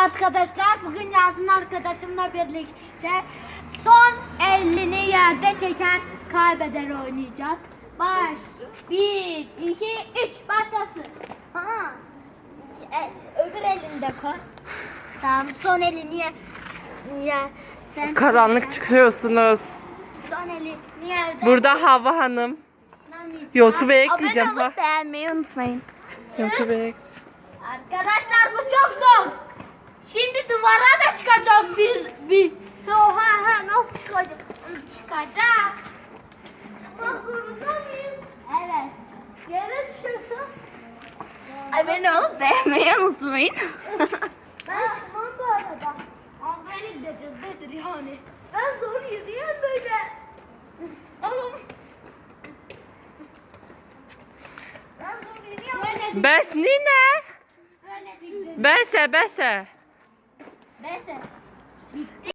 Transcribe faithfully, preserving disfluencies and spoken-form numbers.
arkadaşlar, bugün Yasin arkadaşımla birlikte son elini yerde çeken kaybeder oynayacağız. Baş, bir, iki, üç, başlasın. Ha. E, öbür elinde koy. Tamam, son elini ye, yerden Karanlık çeken. çıkıyorsunuz. Son elini yerden. Burada Hava Hanım. YouTube'a ekleyeceğim. Abone Ha. olup beğenmeyi unutmayın. YouTube'a ek- Arkadaşlar bu çok zor. Şimdi duvara da çıkacağız bir bir. Oha ha nasıl çıkacak? Çıkacak. Çıkmak zorunda mıyız? Evet. Yere düşüyorsun. Abone olup beğenmeyi unutmayın. Ben çıkmam bu arada. Ama böyle gideceğiz nedir yani? Ben zor yürüyorum böyle. Oğlum. Ben zor yürüyorum. Böyle Bes nine? böyle dikdim. Bese bese. Neyse. Bitti.